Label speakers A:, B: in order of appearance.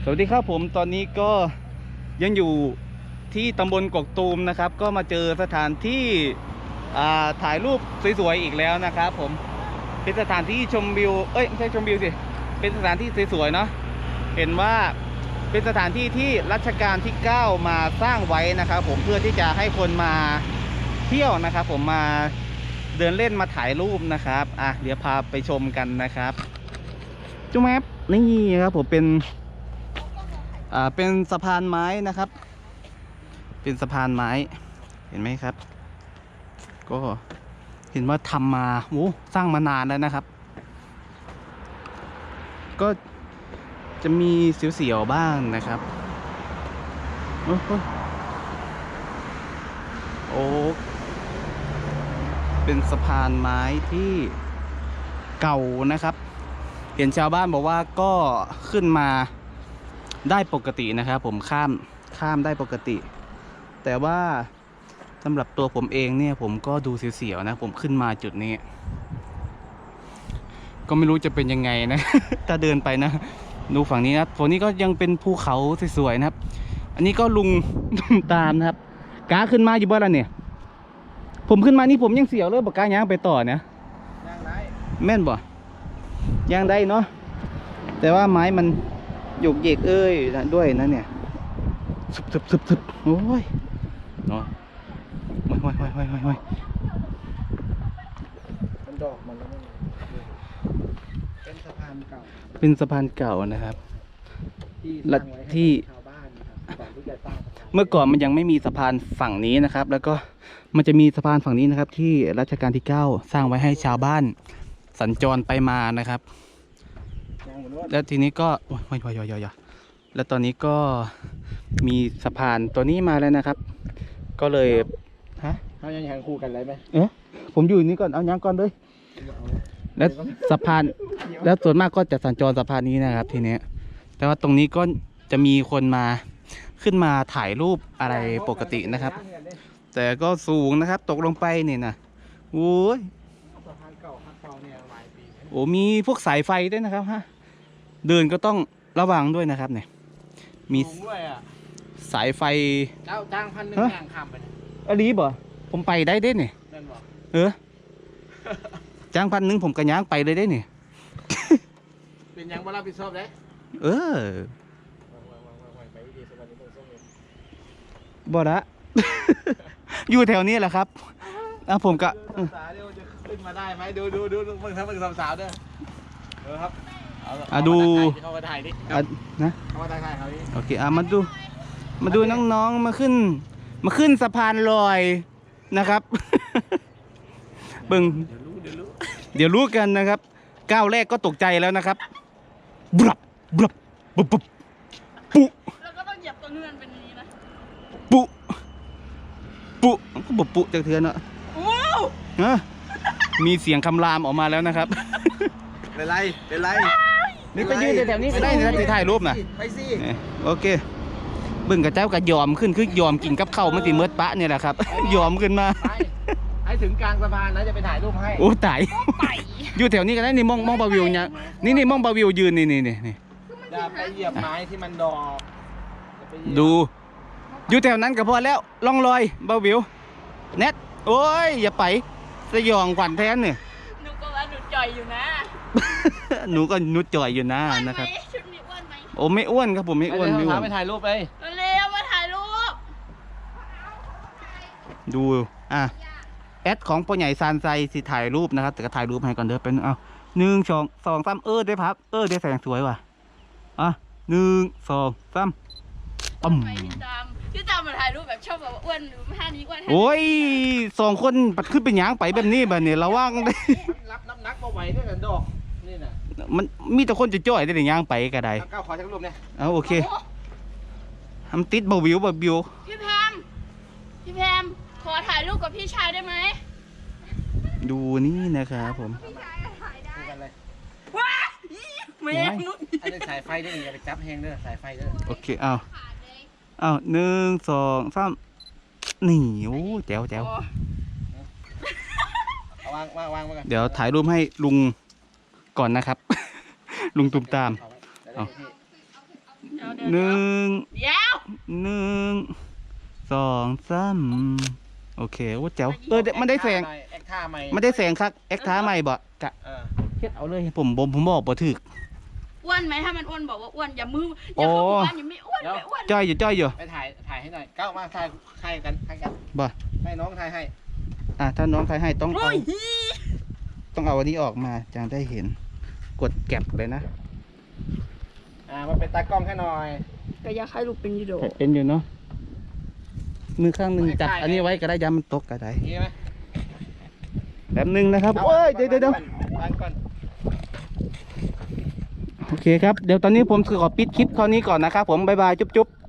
A: สวัสดีครับผมตอนนี้ก็ยังอยู่ที่ตำบลกกตูมนะครับก็มาเจอสถานที่ถ่ายรูปสวยๆอีกแล้วนะครับผมเป็นสถานที่ชมวิวไม่ใช่ชมวิวสิเป็นสถานที่สวยๆเนาะเห็นว่าเป็นสถานที่ที่รัชกาลที่9มาสร้างไว้นะครับผมเพื่อที่จะให้คนมาเที่ยวนะครับผมมาเดินเล่นมาถ่ายรูปนะครับเดี๋ยวพาไปชมกันนะครับจุ๊บแมปนี่ครับผมเป็นสะพานไม้นะครับเป็นสะพานไม้เห็นไหมครับก็เห็นว่าทำมาสร้างมานานแล้วนะครับก็จะมีเสียวๆบ้างนะครับโอ้เป็นสะพานไม้ที่เก่านะครับเห็นชาวบ้านบอกว่าก็ขึ้นมาได้ปกตินะครับผมข้ามได้ปกติแต่ว่าสำหรับตัวผมเองเนี่ยผมก็ดูเสียวๆนะผมขึ้นมาจุดนี้ก็ไม่รู้จะเป็นยังไงนะ ถ้าเดินไปนะดูฝั่งนี้นะฝั่งนี้ก็ยังเป็นภูเขาสวยๆนะครับอันนี้ก็ลุงตามนะครับกาขึ้นมาอยู่บ้านแล้วเนี่ยผมขึ้นมานี่ผมยังเสียวเลยบอกกาย่างไปต่อเนี่ยย่างได้แม่นบ่ย่างได้เนาะแต่ว่าไม้มันหยกเยกนะด้วยนะเนี่ยสึบโอ้ยเนาะห้อย
B: มันดอกมันแล้วเป็นสะพานเก่า
A: นะครับ
B: ที่ชาวบ้านนะครับก่อนที่จะสร้าง
A: เมื่อก่อนมันยังไม่มีสะพานฝั่งนี้นะครับแล้วก็มันจะมีสะพานฝั่งนี้นะครับที่รัชกาลที่9สร้างไว้ให้ชาวบ้านสัญจรไปมานะครับแล้วทีนี้ก็แล้วตอนนี้ก็มีสะพานตัวนี้มาแล้วนะครับก็เลย
B: เขายังแข่งคู่กันเลยไหม
A: ผมอยู่นี่ก่อนเอายังก่อนเลยแล้วสะพานแล้วส่วนมากก็จะสัญจรสะพานนี้นะครับทีนี้แต่ว่าตรงนี้ก็จะมีคนมาขึ้นมาถ่ายรูปอะไรปกตินะครับแต่ก็สูงนะครับตกลงไปนี่นะโอ้ย
B: สะพานเก่าเนี่ยหลายปี
A: โอ้มีพวกสายไฟด้วยนะครับเดินก็ต้องระวังด้วยนะครับเนี่ยมีสายไฟ
B: จ้าง1,000ย่างข้ามไป
A: อลีบ่ผมไปได้เด้เนี่ยจ้าง1,000ผมกระย่างไปเลยได้เนี่ย
B: เป็นยังบ่รับผิดชอบได้
A: บ่ละ อยู่แถวนี้แหละครับผมก็
B: สาวเดี๋ยวจะขึ้นมาได้ไหมดูมึงสาวด้วยครับ
A: ดู
B: เข้ามาถ่ายดิ
A: นะ
B: เข้ามาถ่ายเขาดิ
A: โอเคมาดูน้องๆมาขึ้นสะพานลอยนะครับเบิ่งเดี๋ยวรู้กันนะครับก้าวแรกก็ตกใจแล้วนะครับบลับปุ๊
C: แล้วก็ต้องเหยียบตัวเงื่อนเป็นนี้นะ
A: ปุ๊ก็ปุ๊จากเทือนอ่ะมีเสียงคำรามออกมาแล้วนะครับ
B: เป็นไร
A: นี่ไปยืนแถวนี้ก็ได้นะจะถ่ายรูปนะ
B: ไปสิ
A: โอเคเบิ่งกับเจ้ากับยอมขึ้นคือยอมกินกับข้าวมันติเมื่อปะเนี่ยแหละครับยอมขึ้นมา
B: ให้ถึงกลางสะพานนะจะไปถ่ายรูปให้
A: โอ้ตายอยู่แถวนี้ก็ได้นี่มองบาวิวเนี่ยนี่มองบาวิวยืนนี่
B: อย่าไปเหยียบไม้ที่มันดอก
A: ดูอยู่แถวนั้นก็พอแล้วล่องลอยบาวิวเน็ตโอ้ยอย่าไปสยองขวัญแทนเนี่ย
C: หนูก็ว่าหนูจ่อยอยู่นะ
A: หนูก็นุดจ่อยอยู่นะนะครับ
C: ชุดนี้อ้วนไหม
A: โอ้ไม่อ้วนครับผมไม่อ้วน
B: ไปถ่ายรูปไป
C: เร็วมาถ่ายรูป
A: ดูแอดของพ่อใหญ่ซานไซสิถ่ายรูปนะครับแต่ก็ถ่ายรูปให้ก่อนเด้อเป็น1 2 3ได้พับได้แสงสวยว่ะ1 2 3
C: ปั๊มพี่ตามมาถ่ายรูปแบบชอบแบบอ้วนหรือท่านี้อ้วน
A: โอ้ย2 คนปัดขึ้นเป็นหยางไปแบบนี้แบบนี้ระวังได้
B: รับน้ำหนักมาไหวด้วยกันดอกนี่นะ
A: มันมีแต่คนจะจ่อยได้หยางไปก็ได้
B: ก้าวขอชักรูปเนี่ย
A: โอเคทำติดบาวิว
C: พี่แพมขอถ่ายรูปกับพี่ชายได้ไหม
A: ดูนี่นะครับผม
C: ว้าแม่
B: นุ๊กอันนี้สายไฟได้อย่าไปจับแหงเด้อสายไฟเด้อ
A: โอเค1 2 3นี่โอ้แจ๋ว
B: วาง
A: เดี๋ยวถ่ายรูปให้ลุงก่อนนะครับลุงตุ้มตามหนึ่ง
C: เดี๋ยว
A: หนึ่งสองสามโอเคโอ้แจ๋วมันได้แสง
B: แอคท่าใหม่
A: มันได้แสงครับเอ็กท้าใหม่บ่กะ
B: เออ
A: เฮ็ดเอาเลยผมบอกบ่ถึก
C: อ้วนไหมถ้ามันอ้วนบอกว่าอ้วนอย่ามืออย่าเข้าหมู่บ้านอย่าไม่อ้วนไม่อ้วน
A: จ้อยอยู่
B: ไปถ่ายให้หน่อยก้าวมาถ่ายให้กัน
A: บ่
B: ให้น้องถ่ายให้
A: ถ้าน้องใครให้ต้อง
C: โอ้
A: เอา
C: ย
A: ต้องเอาอันนี้ออกมาจะได้เห็นกดแก็บเลยนะ
B: มาเป็นตากล้องให้หน่อย
C: ก็อยากให้ลูกเป็นยูโด
A: เป็นอยู่เนาะมือข้างหนึ่งจับอันนี้ไว้ก็ได้ยามันตกก็ได้
B: นี่ไหม
A: แบบนึงนะครับโอ้ยเดี๋ยว
B: วางก่อน
A: โอเคครับเดี๋ยวตอนนี้ผมขอปิดคลิปเท่านี้ก่อนนะครับผมบ๊ายบายจุ๊บ